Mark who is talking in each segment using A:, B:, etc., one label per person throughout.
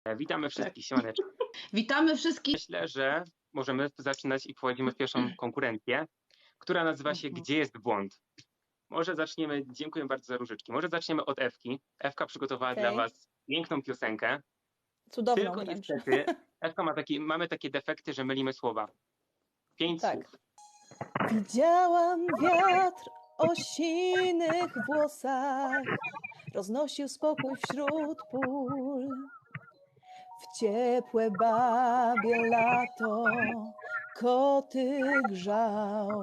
A: Witamy wszystkich, siemaneczko.
B: Witamy wszystkich.
A: Myślę, że możemy zaczynać i wchodzimy w pierwszą konkurencję, która nazywa się Gdzie jest błąd? Może zaczniemy, dziękuję bardzo za różyczki, może zaczniemy od Ewki. Ewka przygotowała dla was piękną piosenkę.
C: Cudowną
A: Tylko
C: wręcz.
A: niestety Ewka mamy takie defekty, że mylimy słowa. 5
C: Tak.
A: słów.
C: Widziałam wiatr o sinych włosach, roznosił spokój wśród pól. W ciepłe babie lato koty grzał,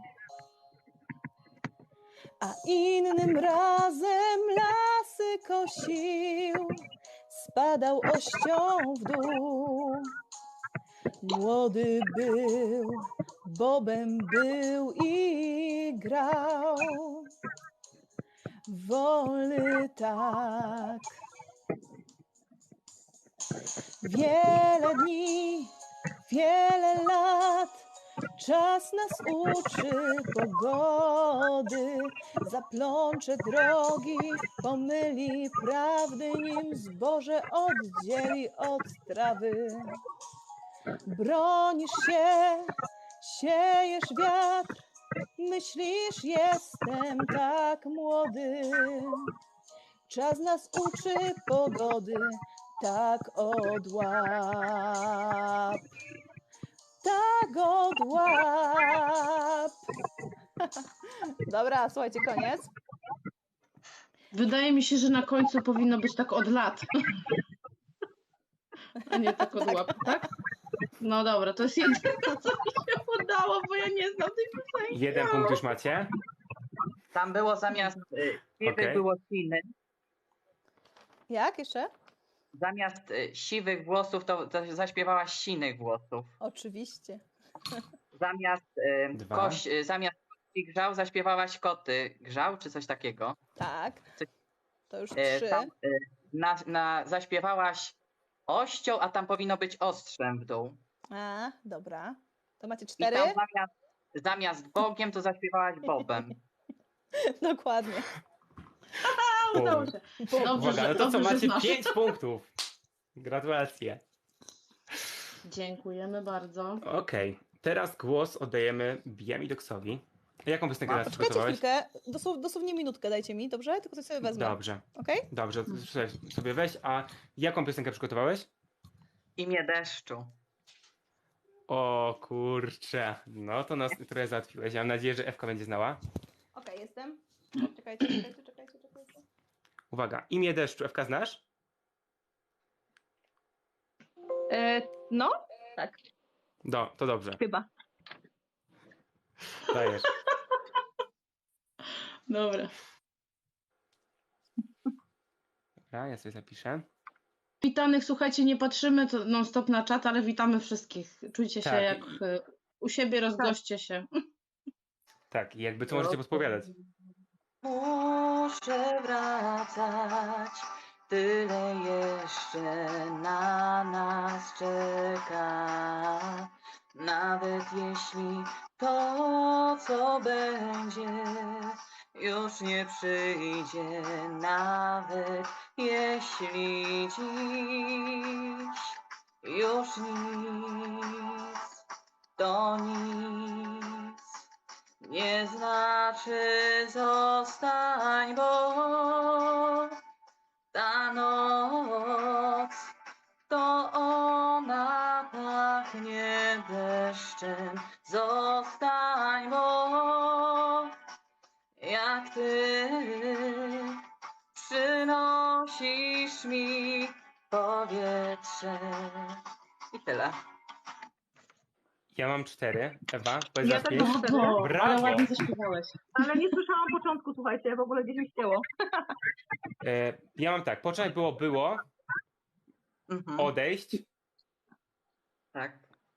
C: a innym razem lasy kosił, spadał ością w dół. Młody był, bobem był i grał. Wolny tak. Wiele dni, wiele lat, czas nas uczy pogody. Zaplącze drogi, pomyli prawdy, nim zboże oddzieli od trawy. Bronisz się, siejesz wiatr, myślisz, jestem tak młody. Czas nas uczy pogody, tak odłap. Tak odłap. Dobra, słuchajcie, koniec.
B: Wydaje mi się, że na końcu powinno być tak od lat. A nie tak od łap, tak? No dobra, to jest jedyne, co mi się udało, bo ja nie znam tej piosenki.
A: 1 punkt już macie.
D: Tam było zamiast siwych
A: Okej.
D: było siny.
C: Jak jeszcze?
D: Zamiast siwych włosów to zaśpiewałaś sinych włosów.
C: Oczywiście.
D: Zamiast
A: Dwa.
D: zamiast kości grzał zaśpiewałaś koty grzał, czy coś takiego.
C: Tak.
D: Coś-
C: To już 3.
D: Tam, zaśpiewałaś ością, a tam powinno być ostrzem w dół.
C: A, dobra. To macie
D: I
C: 4?
D: tam zamiast Bogiem to zaśpiewałaś Bobem.
C: Dokładnie.
B: A, udało się. Dobrze,
A: Uwaga, no to co,
B: dobrze, że
A: macie
B: znasz.
A: 5 punktów. Gratulacje.
B: Dziękujemy bardzo.
A: Okej, teraz głos oddajemy Biamidoksowi. Jaką piosenkę teraz
C: Poczekajcie
A: przygotowałeś?
C: chwilkę, dosłownie minutkę dajcie mi, dobrze? Tylko coś sobie wezmę.
A: Dobrze,
C: Okej?
A: dobrze, sobie weź. A jaką piosenkę przygotowałeś?
D: Imię deszczu.
A: O kurczę, no to nas trochę załatwiłeś. Ja mam nadzieję, że Ewka będzie znała.
C: Okej, jestem. Czekajcie.
A: Uwaga, imię deszczu. Ewka znasz?
C: No, tak,
A: To dobrze,
C: chyba.
A: dajesz.
B: Dobra.
A: Dobra, ja sobie zapiszę.
B: Witanych, słuchajcie, nie patrzymy to non stop na czat, ale witamy wszystkich. Czujcie się
A: Tak.
B: jak u siebie, rozgoście się.
A: Tak, i jakby co możecie podpowiadać.
D: Muszę wracać, tyle jeszcze na nas czeka. Nawet jeśli to, co będzie, już nie przyjdzie, nawet jeśli dziś już nic, to nic. Nie znaczy zostań, bo ta noc to ona pachnie deszczem. Zostań, bo jak ty przynosisz mi powietrze. I tyle.
A: Ja mam 4. Ewa, powiedz
E: Ja
A: raz
E: też
A: 5.
E: mam 4,
B: Brawo,
A: Brawo.
B: ale ładnie zaśpiewałeś.
E: ale nie słyszałam początku, słuchajcie, w ogóle gdzieś mi ścięło.
A: Ja mam tak, początek było,
D: Mhm.
A: odejść,
D: Tak,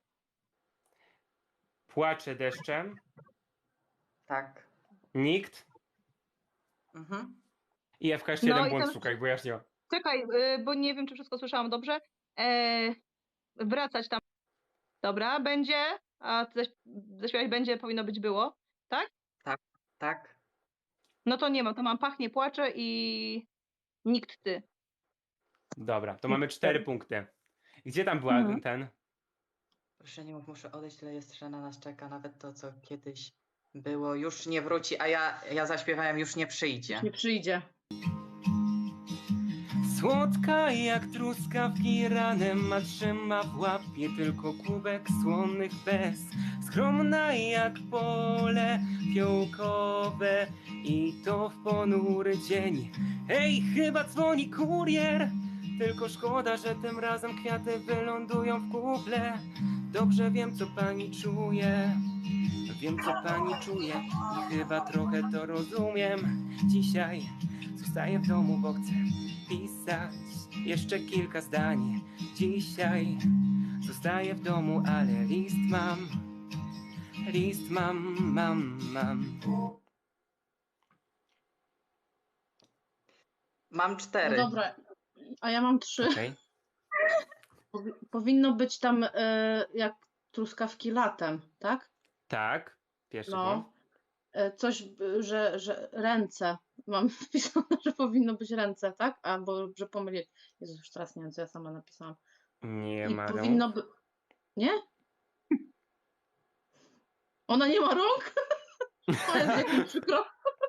A: płacze deszczem,
D: tak.
A: nikt
D: Mhm.
A: i Ewka jeszcze
E: No
A: jeden
E: i
A: błąd
E: tam-
A: szukaj, bo ja już nie mam.
E: Czekaj, bo nie wiem, czy wszystko słyszałam dobrze. Wracać tam. Dobra, będzie, a zaśpiewać będzie, powinno być było, tak?
D: Tak.
E: No to nie mam, to mam pachnie, płacze i nikt ty.
A: Dobra, to mamy 4 punkty. Gdzie tam była
E: Mhm.
A: ten?
D: Proszę nie mów, muszę odejść, tyle jeszcze na nas czeka. Nawet to, co kiedyś było, już nie wróci, a ja zaśpiewałem, już nie przyjdzie.
B: Nie przyjdzie.
A: Słodka jak truskawki ranem, a trzyma w łapie tylko kubek słonnych bez. Skromna jak pole fiołkowe i to w ponury dzień. Hej, chyba dzwoni kurier, tylko szkoda, że tym razem kwiaty wylądują w kuple. Dobrze wiem, co pani czuje, wiem, co pani czuje i chyba trochę to rozumiem. Dzisiaj zostaję w domu, bo chcę pisać jeszcze kilka zdań. Dzisiaj zostaję w domu, ale list mam.
D: Mam 4.
B: No dobra, a ja mam 3.
A: Okej.
B: Powinno być tam jak truskawki latem, tak?
A: Tak, pierwszy
B: No.
A: błąd.
B: Coś, że ręce. Mam wpisane, że powinno być ręce, tak? Albo że pomylić. Jezus, już teraz nie wiem, co ja sama napisałam.
A: Nie
B: I
A: ma
B: powinno
A: rąk.
B: być. Nie? Ona nie ma rąk? To jest jak mi przykro.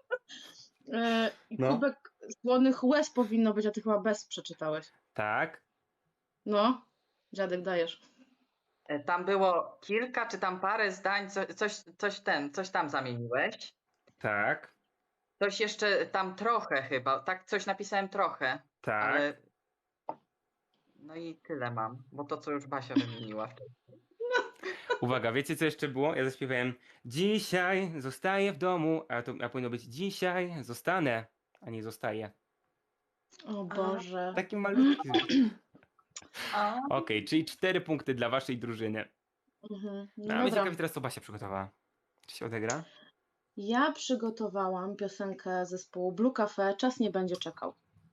B: I
A: No.
B: kubek słonych łez powinno być, a ty chyba bez przeczytałeś.
A: Tak,
B: No, dziadek dajesz.
D: Tam było kilka, czy tam parę zdań, coś tam zamieniłeś.
A: tak,
D: Coś jeszcze tam trochę chyba, tak coś napisałem trochę,
A: tak.
D: ale no i tyle mam, bo to co już Basia wymieniła wcześniej.
A: Uwaga, wiecie co jeszcze było? Ja zaśpiewałem dzisiaj zostaję w domu, a powinno być dzisiaj zostanę, a nie zostaję.
B: O Boże.
A: Taki malutki.
D: A,
A: Okej, czyli 4 punkty dla waszej drużyny.
B: Mhm.
A: No,
B: No
A: a mnie
B: dobra.
A: ciekawi teraz, co Basia przygotowała. Czy się odegra?
B: Ja przygotowałam piosenkę zespołu Blue Cafe Czas nie będzie czekał.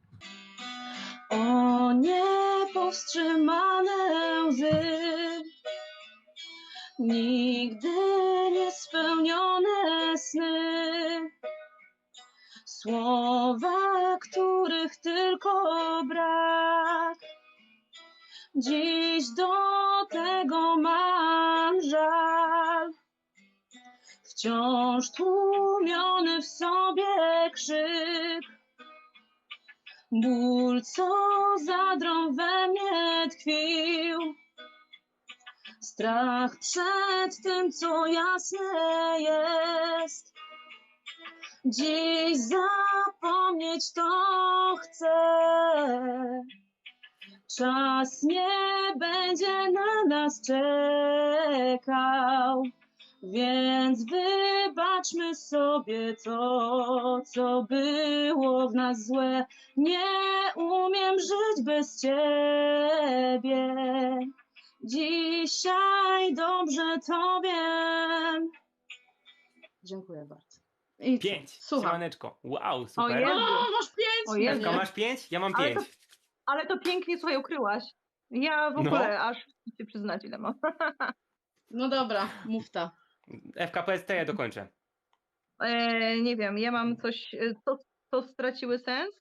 B: O niepowstrzymane łzy, nigdy niespełnione sny, słowa, których tylko brak. Dziś do tego mam żal. Wciąż tłumiony w sobie krzyk, ból, co zadrą we mnie tkwił, strach przed tym, co jasne jest. Dziś zapomnieć to chcę. Czas nie będzie na nas czekał. Więc wybaczmy sobie to, co było w nas złe. Nie umiem żyć bez ciebie. Dzisiaj dobrze to wiem. Dziękuję bardzo. I co?
A: 5.
B: Słucham.
A: Siemaneczko. Wow,
E: O
A: super.
E: Jezu.
B: Masz 5?
E: O Jezu.
A: Ewka, masz 5? Ja mam
E: Ale
A: 5.
E: Ale to pięknie, słuchaj, ukryłaś. Ja w
A: No.
E: ogóle aż się przyznać, ile mam.
B: No dobra, mów ta.
A: Ewka, powiedz, to ja dokończę.
E: Nie wiem, ja mam coś, co straciły sens.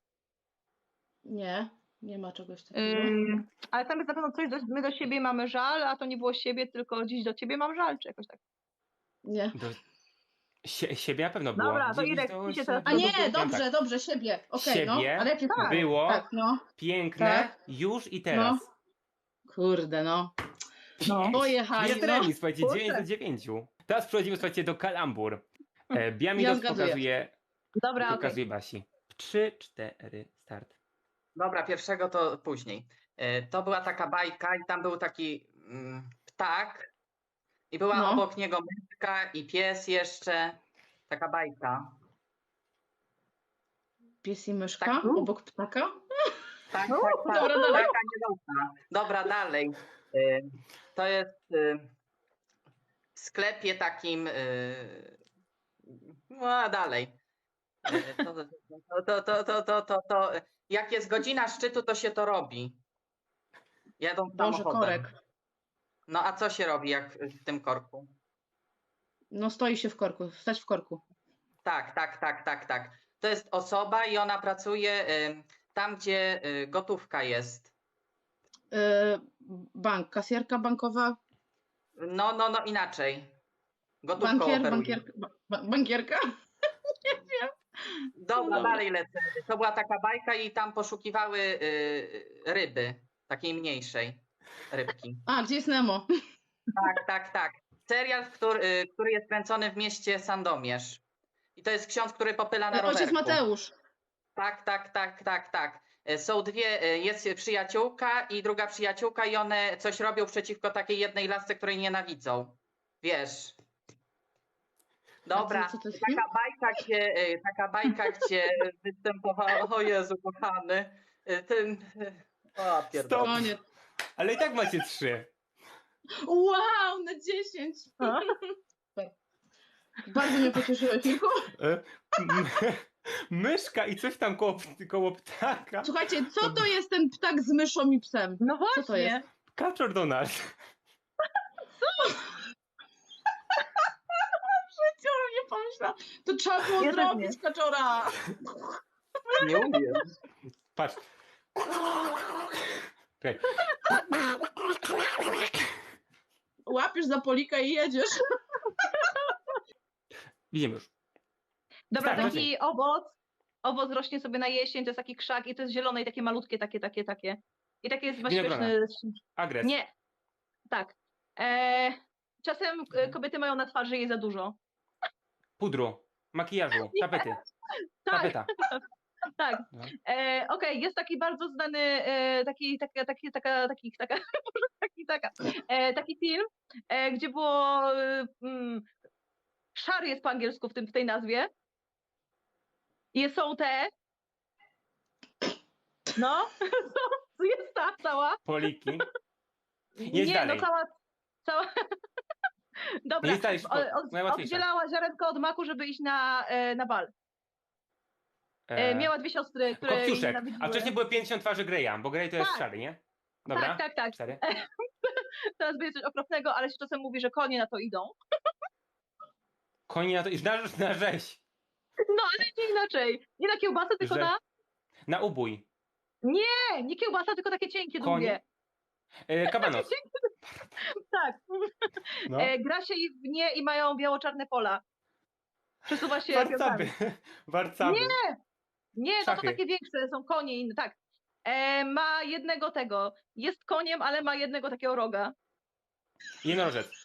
B: Nie ma czegoś takiego.
E: Ale tam jest na pewno coś, my do siebie mamy żal, a to nie było siebie, tylko dziś do ciebie mam żal, czy jakoś tak.
B: Nie.
A: Do... siebie na pewno było.
E: Dobra, to
A: Dziś
E: Irek,
A: do
E: ty się
A: siebie.
E: teraz
B: A nie,
A: Ja
B: dobrze,
A: tak.
B: dobrze, siebie. Okej, no.
A: Siebie
B: Ale jakie
E: tak.
A: Było
B: Tak, no.
A: piękne
B: Tak.
A: już i teraz.
B: Kurde, no.
E: No.
B: Pojechali,
A: Jest
B: no.
A: remis, słuchajcie,
E: Kurczę.
A: 9 do 9. Teraz przechodzimy, słuchajcie, do kalambur. Biamigos
B: Ja zgaduję.
E: Dobra, okej.
A: pokazuje Basi. 3, 4, start.
D: dobra, pierwszego to później. To była taka bajka i tam był taki ptak i była
B: No.
D: obok niego myszka i pies jeszcze. Taka bajka.
B: Pies i myszka
D: Tak.
B: obok ptaka?
D: Tak, tak, tak.
B: Dobra, dalej.
D: Bajka niedobrze. Dobra, dalej. To jest w sklepie takim. No a dalej. To. Jak jest godzina szczytu, to się to robi. Jadą
B: Boże,
D: samochodem.
B: korek.
D: No a co się robi jak w tym korku?
B: No stoi się w korku, stać w korku.
D: Tak. To jest osoba i ona pracuje tam gdzie gotówka jest.
B: Bank, kasjerka bankowa,
D: No, inaczej. Gotówką operuje.
B: bankierka? Nie wiem.
D: Dobra,
B: Dobra.
D: dalej lecę. To była taka bajka i tam poszukiwały ryby, takiej mniejszej rybki.
B: A, gdzie jest Nemo?
D: Tak. Serial, który jest kręcony w mieście Sandomierz. I to jest ksiądz, który popyla na rowerku.
B: Ojciec Mateusz.
D: Tak. Są dwie, jest przyjaciółka i druga przyjaciółka i one coś robią przeciwko takiej jednej lasce, której nienawidzą. Wiesz. Dobra,
B: co to jest film?
D: taka bajka, gdzie występowała, o Jezu kochany, o pierdolę.
B: O nie.
A: Ale i tak macie 3.
B: Wow, na 10. Bardzo mnie pocieszyłeś, Mirku.
A: Myszka i coś tam koło ptaka.
B: Słuchajcie, co to jest ten ptak z myszą i psem?
E: No właśnie.
B: Co to jest?
A: Kaczor Donald.
B: Nie pomyślałam. To trzeba było
E: Ja też
B: zrobić kaczora.
D: Nie umiem.
A: Patrz. Czekaj.
B: Łapiesz za polika i jedziesz.
A: Widzimy już.
E: Dobra,
A: Tak,
E: taki owoc rośnie sobie na jesień, to jest taki krzak i to jest zielone i takie malutkie, takie. I takie jest
A: Winogrona.
E: śmieszne.
A: Agres.
E: Nie. Tak. Czasem kobiety mają na twarzy jej za dużo.
A: Pudru. Makijażu. Tapety.
E: Tak,
A: Tapeta.
E: tak.
A: No.
E: Okej, jest taki bardzo znany taki film, gdzie było szary jest po angielsku w tej nazwie. I są te. No, jest ta cała.
A: Poliki. Jedź
E: Nie,
A: dalej.
E: no cała. Dobra,
A: Nie stalisz najłatwiejsza.
E: oddzielała ziarenko od maku, żeby iść na bal. Miała dwie siostry, które jej
A: Kopciuszek.
E: nienawidziły.
A: A wcześniej były 50 twarzy Greya, bo Grey to jest
E: Tak.
A: szary, nie? Dobra.
E: Tak.
A: 4.
E: Teraz będzie coś okropnego, ale się czasem mówi, że konie na to idą.
A: Konie na to i na rzeź.
E: No, ale nie inaczej. Nie na kiełbasę, tylko
A: Że-
E: na...
A: Na ubój.
E: Nie kiełbasa, tylko takie cienkie,
A: Konie?
E: długie.
A: Kabanos.
E: Tak.
A: No.
E: Gra się w nie i mają biało-czarne pola. Przesuwa się
A: Warcaby.
E: piłkami.
A: Warcaby.
E: Nie, to
A: Szachy.
E: takie większe, są konie inne, tak. Ma jednego tego. Jest koniem, ale ma jednego takiego roga.
A: Jednorożec.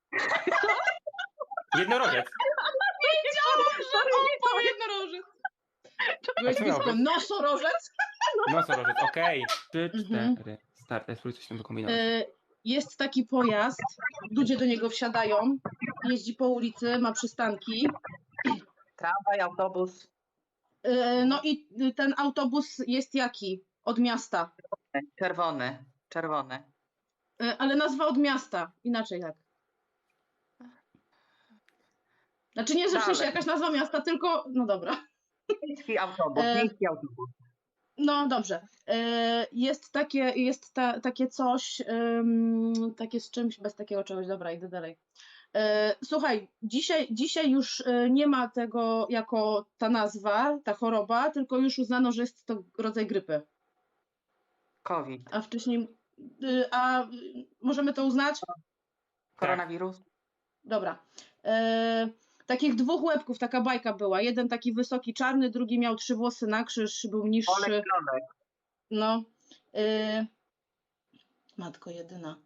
A: Jednorożec.
B: O, jednorożec. Byłeś
A: co miał
B: blisko.
A: być?
B: Nosorożec.
A: Nosorożec, okej. 3,
B: Mhm.
A: 4. Start. Spróbuj coś tam wykombinować.
B: Jest taki pojazd, ludzie do niego wsiadają, jeździ po ulicy, ma przystanki.
D: Tramwaj, autobus.
B: No i ten autobus jest jaki? Od miasta.
D: Czerwony.
B: Ale nazwa od miasta. Inaczej jak? Znaczy nie, że w sensie
D: Dalej.
B: jakaś nazwa miasta, tylko... No dobra.
D: Miejski autobus.
B: No dobrze. Jest takie coś, takie z czymś, bez takiego czegoś. Dobra, idę dalej. Słuchaj, dzisiaj już nie ma tego jako ta nazwa, ta choroba, tylko już uznano, że jest to rodzaj grypy.
D: COVID.
B: A wcześniej... możemy to uznać?
D: Koronawirus.
B: Dobra. Takich dwóch łebków, taka bajka była. Jeden taki wysoki, czarny, drugi miał 3 włosy na krzyż, był niższy.
D: Olek Klonek.
B: No. Matko jedyna.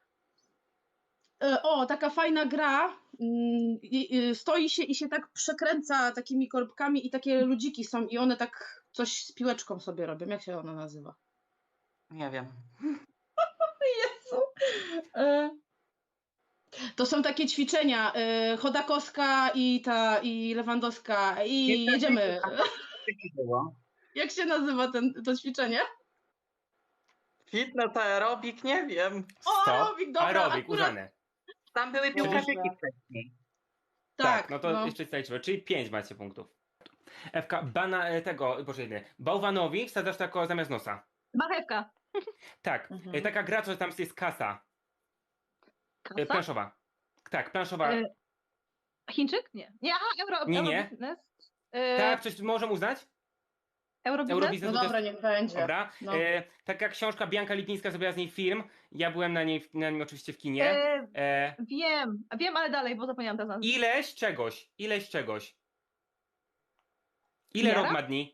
B: Taka fajna gra. Stoi się i się tak przekręca takimi korbkami i takie ludziki są i one tak coś z piłeczką sobie robią. Jak się ona nazywa?
D: Nie wiem.
B: Jezu. To są takie ćwiczenia. Chodakowska i Lewandowska i jedziemy.
D: Było.
B: Jak się nazywa to ćwiczenie?
D: Fitness, aerobik, nie wiem.
B: O,
A: Stop.
B: aerobik, dobra,
A: Aerobik,
B: akurat.
A: uznane.
D: Tam były piłkarzyki wcześniej.
A: Tak, no to jeszcze zaliczymy. Czyli 5 macie punktów. Ewka, bałwanowi wsadzasz tako zamiast nosa.
E: Marchewka.
A: Tak,
B: Mhm.
A: taka gra, co tam jest kasa.
E: Kasa?
A: Planszowa. Tak, planszowa.
E: Chińczyk? Nie. Nie, aha, euro.
A: Nie.
E: Eurobiznes.
A: Tak, coś możemy uznać?
E: Eurobiznes?
B: No
A: Eurobiznes. to
B: dobra,
A: jest...
B: niech będzie.
A: Dobra.
B: No.
A: Taka książka, Bianka Lipińska zrobiła z niej film. Ja byłem na nim oczywiście w kinie.
E: Wiem, ale dalej, bo zapomniałam teraz nazwy.
A: Ileś czegoś. Ile
E: Miara?
A: rok ma dni?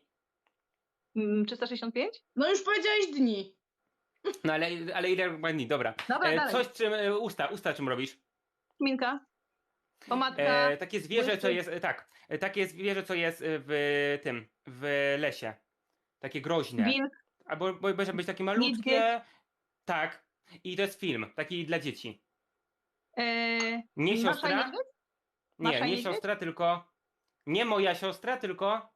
E: 365?
B: No już powiedziałeś dni.
A: No ale ile rok ma dni? Dobra.
E: Dobra, dalej.
A: Coś czym, usta czym robisz?
E: Minka? Pomadka?
A: Takie zwierzę, co
E: błyszczyk.
A: jest, takie zwierzę, co jest w lesie. Takie groźne.
E: Wilk?
A: Albo może być takie malutkie.
E: Niedźwiedź?
A: Tak. I to jest film, taki dla dzieci. Nie
E: Masza i
A: siostra.
E: niedźwiedź? Masza
A: Nie,
E: i
A: nie
E: niedźwiedź?
A: siostra, tylko. Nie moja siostra, tylko.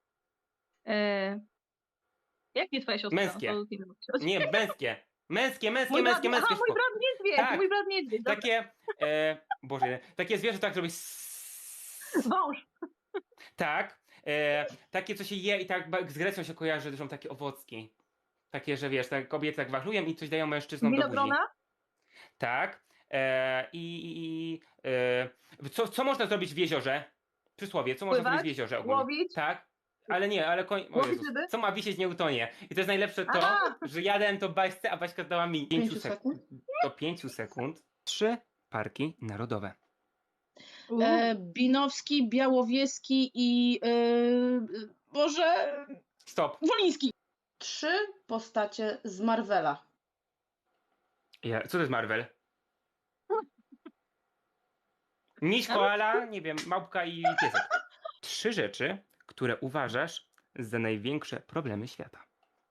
E: Jak nie twoja siostra?
A: Męskie.
E: To film.
A: Nie, męskie. Męskie.
E: Mój brat niedźwiedź.
A: Tak.
E: Mój brat niedźwiedź. Dobra.
A: Takie. Boże, takie zwierzę, tak robi.
E: Wąż.
A: Tak. Takie, co się je i tak z Grecją się kojarzy, że są takie owocki. Takie, że wiesz, tak kobiety tak wachlują i coś dają mężczyznom do buzi.
E: Winogrona?
A: Tak. Co można zrobić w jeziorze? Przysłowie, co można
E: Pływać?
A: zrobić w jeziorze ogólnie?
E: Łowić?
A: Tak. Ale nie, ale o
E: Łowić
A: Jezus.
E: ryby?
A: Co ma wisieć, nie utonie. I to jest najlepsze to,
E: A!
A: że ja dałem to Baśce, a Baśka dała mi 5
B: 5
A: sekund. Do 5 sekund. 3 parki narodowe.
B: Binowski, Białowieski i Boże,
A: Stop.
B: Woliński. 3 postacie z Marvela.
A: Co to jest Marvel? Miś, koala, nie wiem, małpka i piesek. 3 rzeczy, które uważasz za największe problemy świata.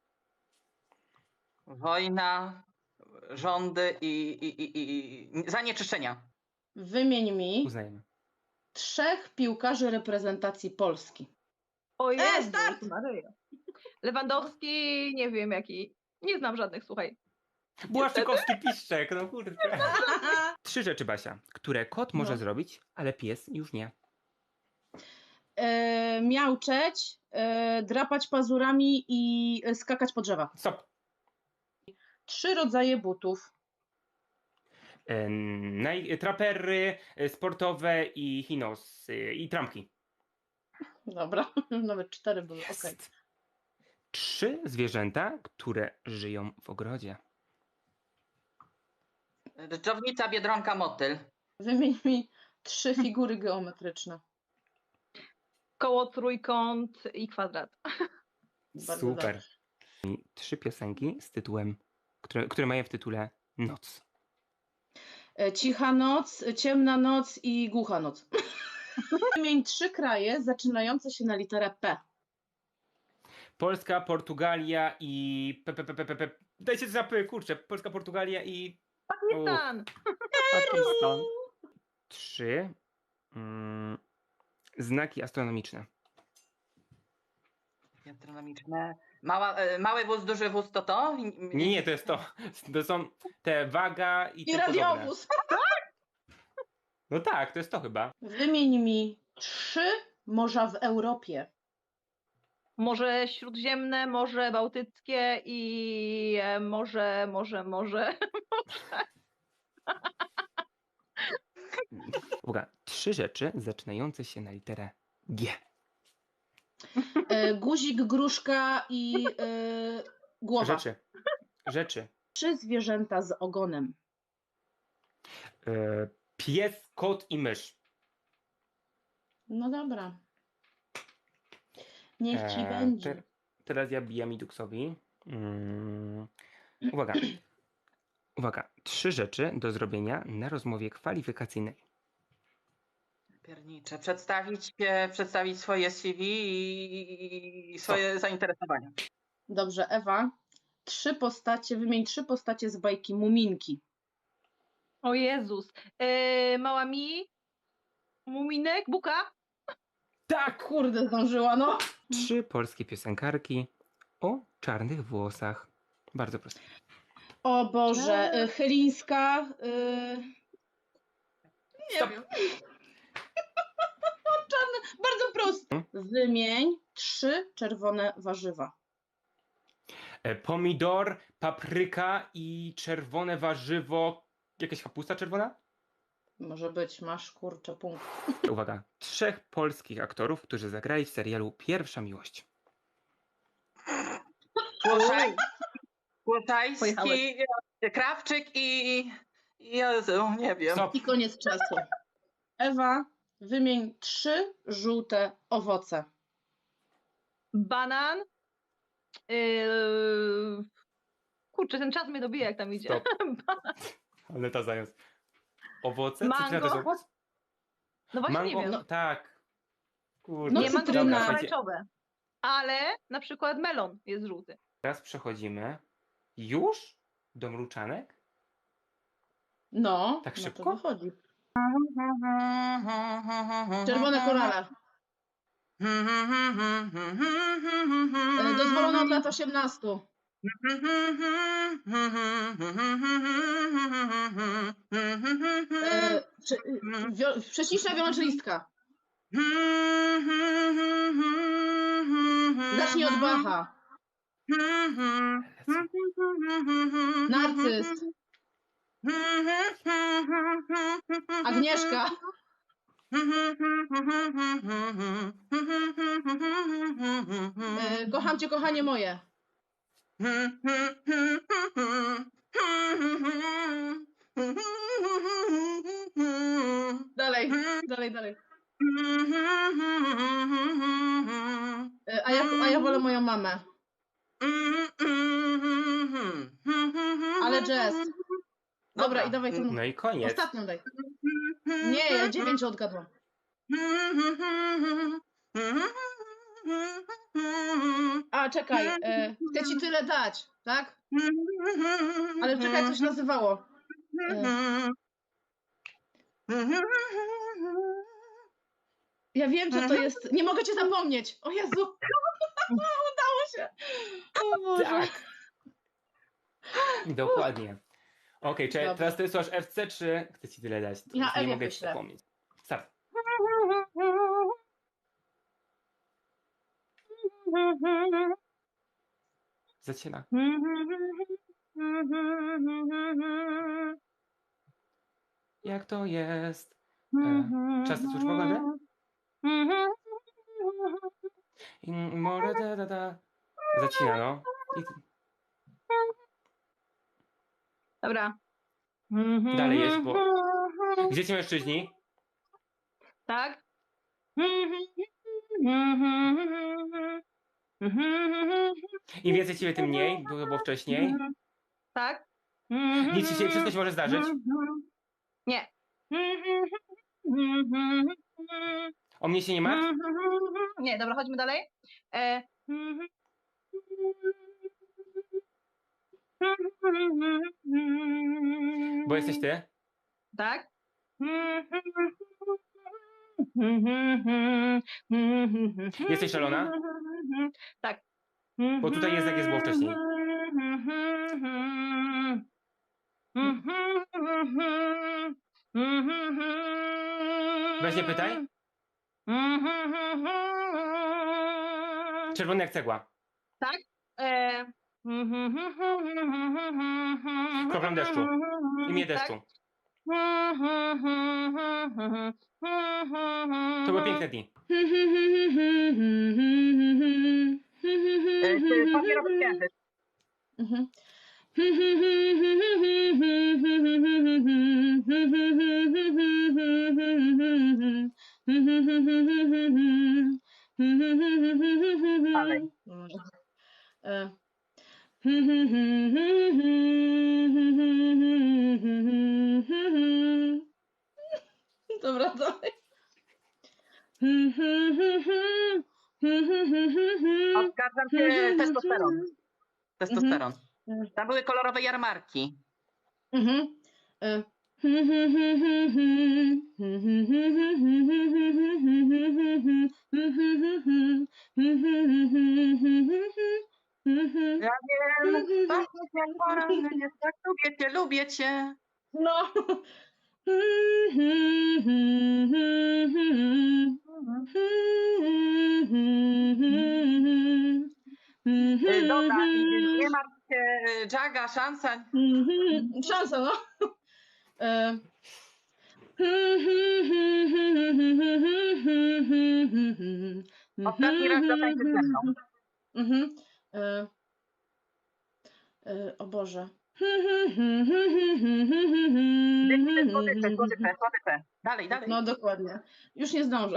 D: Wojna, rządy i zanieczyszczenia.
B: Wymień mi
A: Uznajemy.
B: 3 piłkarzy reprezentacji Polski.
E: O Jezus
B: start!
E: Maryja. Lewandowski, nie wiem jaki. Nie znam żadnych, słuchaj.
A: Błaszczykowski piszczek, no kurde. 3 rzeczy, Basia, które kot może
B: No.
A: zrobić, ale pies już nie.
B: Miauczeć, drapać pazurami i skakać po drzewach.
A: Stop.
B: 3 rodzaje butów.
A: Trapery sportowe i chinosy i trampki.
B: Dobra, nawet 4 były, okej.
A: 3 zwierzęta, które żyją w ogrodzie.
D: Dżdżownica, biedronka, motyl.
B: Wymień mi 3 figury geometryczne.
E: Koło, trójkąt i kwadrat.
B: Bardzo
A: Super.
B: dobrze.
A: 3 piosenki z tytułem, które mają w tytule Noc.
B: Cicha noc, ciemna noc i głucha noc. Wymień 3 kraje zaczynające się na literę P.
A: Polska, Portugalia i... Dajcie zapy, kurczę. Polska, Portugalia i...
E: Pakistan!
A: Pakistan. 3 znaki astronomiczne.
D: Astronomiczne. Mały wóz, duży wóz to?
A: Nie, to jest to. To są te waga i
B: I
A: te podobne.
B: radiowóz.
A: No tak, to jest to chyba.
B: Wymień mi 3 morza w Europie.
E: Morze Śródziemne, Morze Bałtyckie i morze.
A: Uwaga, 3 rzeczy zaczynające się na literę G.
B: Guzik, gruszka i głowa.
A: Rzeczy.
B: 3 zwierzęta z ogonem.
A: Pies, kot i mysz.
B: No dobra. Niech ci będzie.
A: Teraz ja bijam Iduksowi. Uwaga. Uwaga. 3 rzeczy do zrobienia na rozmowie kwalifikacyjnej.
D: Piernicze. Przedstawić swoje CV i swoje zainteresowania.
B: Dobrze, Ewa. Wymień 3 postacie z bajki Muminki.
E: O Jezus. Mała mi, Muminek, Buka.
B: Tak, kurde, zdążyła, no.
A: 3 polskie piosenkarki o czarnych włosach. Bardzo proste.
B: O Boże, Chylińska. Nie
A: Stop.
B: wiem. Czarne, bardzo proste. Wymień 3 czerwone warzywa.
A: Pomidor, papryka i czerwone warzywo. Jakaś kapusta czerwona?
B: Może być, masz kurczę punkt.
A: Uwaga. 3 polskich aktorów, którzy zagrali w serialu Pierwsza Miłość.
D: Głoszajski, Krawczyk i Jezu, nie wiem.
A: Stop.
B: I koniec czasu. Ewa, wymień 3 żółte owoce.
E: Banan. Kurczę, ten czas mnie dobija, jak tam idzie.
A: Stop. Ale ta zając. Owoce?
E: Mango.
A: Cytryna to jest owoc?
E: No właśnie
A: Mango?
E: nie wiem.
A: No, tak. Kurde.
B: No,
E: nie, mango to
B: cytryna.
E: jest pomarańczowe. Ale na przykład melon jest żółty.
A: Teraz przechodzimy już do mruczanek.
B: No,
A: Tak
B: no
A: szybko?
B: to wychodzi. Czerwone korale. Dozwolone od lat 18. Prześliczna wiolonczelistka. Zacznij od Bacha. Narcyz. Agnieszka. Kocham cię, kochanie moje. Dalej, dalej, dalej. A ja wolę moją mamę. Ale jazz. Dobra, i dawaj tą
A: No i koniec.
B: ostatnią daj. Nie, ja 9 odgadłam. A, czekaj, chcę ci tyle dać, tak? Ale czekaj, jak to się nazywało. Ja wiem, że to jest... Nie mogę cię zapomnieć. O Jezu. Udało się. O Boże.
A: Tak. Dokładnie. Okej, czy
B: Dobra.
A: teraz ty słuchasz FC, czy chcę ci tyle dać?
B: Ja
A: nie
B: Ewie
A: mogę ci
B: wyślę.
A: zapomnieć. Start. Zaczyna. Jak to jest? Czas na służbę pogodę? More da. Zacina, no.
E: Dobra.
A: Dalej jest, bo... Gdzie ci mężczyźni?
E: Tak?
A: Im więcej ciebie, tym mniej. Było wcześniej.
E: Tak?
A: Nic ci się, wszystko się może zdarzyć.
E: Nie.
A: O mnie się nie martw.
E: Nie, dobra, chodźmy dalej.
A: Bo jesteś ty.
E: Tak?
A: Jesteś szalona?
E: Tak.
A: Bo tutaj jest, jak jest było wcześniej. Weź nie pytaj. Czerwony jak cegła.
E: Tak?
A: Kroplam deszczu. Imię deszczu. To były piękne dni.
D: Papierowy księżyc.
B: Mhm.
D: Dalej.
B: Dobra, dalej.
D: Oskarżam cię testosteron. Testosteron. Tam były kolorowe jarmarki.
B: Mhm.
D: Ja wiem, pachniesz jak poranny, tak lubię cię.
B: No.
D: Dobra, nie martw się, Jaga, szansa.
B: Szansa, no.
D: Ostatni raz zatańczy ze mną.
B: Mhm. O Boże.
D: Słodycze. Dalej, dalej.
B: No dokładnie. Już nie zdążę.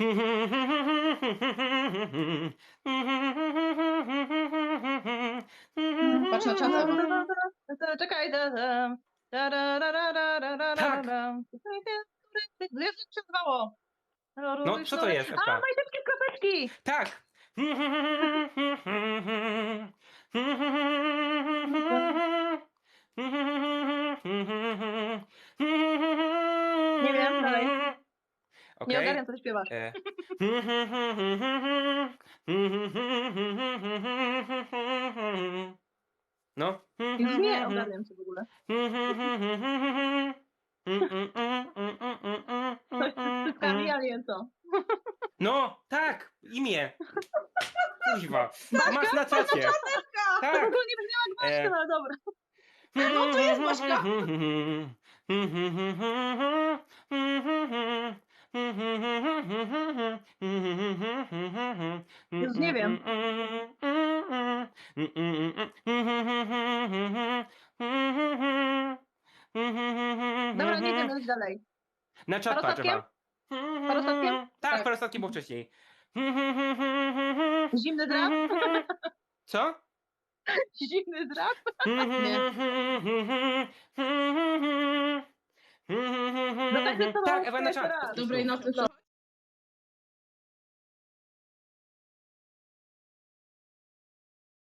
B: Patrz na czat, Ewa.
E: Czekaj.
A: Tak.
E: Jak się nazywało?
A: No, co to jest,
E: A,
A: Ewka?
E: majteczki kropeczki!
A: Tak!
E: Nie wiem, dalej.
A: Okej.
E: Nie ogarniam, co ty śpiewasz.
A: No.
E: Już nie ogarniam się w ogóle. Coś z cyckami, ale nie co.
A: No, tak, imię. Kuźwa. Masz na czacie.
E: To
A: Tak.
E: ogólnie brzmiała jak Baśka, ale dobra.
B: No to jest Baśka.
E: Już nie wiem. Dobra, nie wiem, leć dalej.
A: Na czat patrz,
E: Parostatkiem?
A: Ewa.
E: Parostatkiem?
A: Tak,
B: Tak.
A: parostatkiem było wcześniej.
E: Zimny drap?
A: Co?
E: Zimny drap?
A: Tak, Ewa na czat.
B: Dobrej nocy.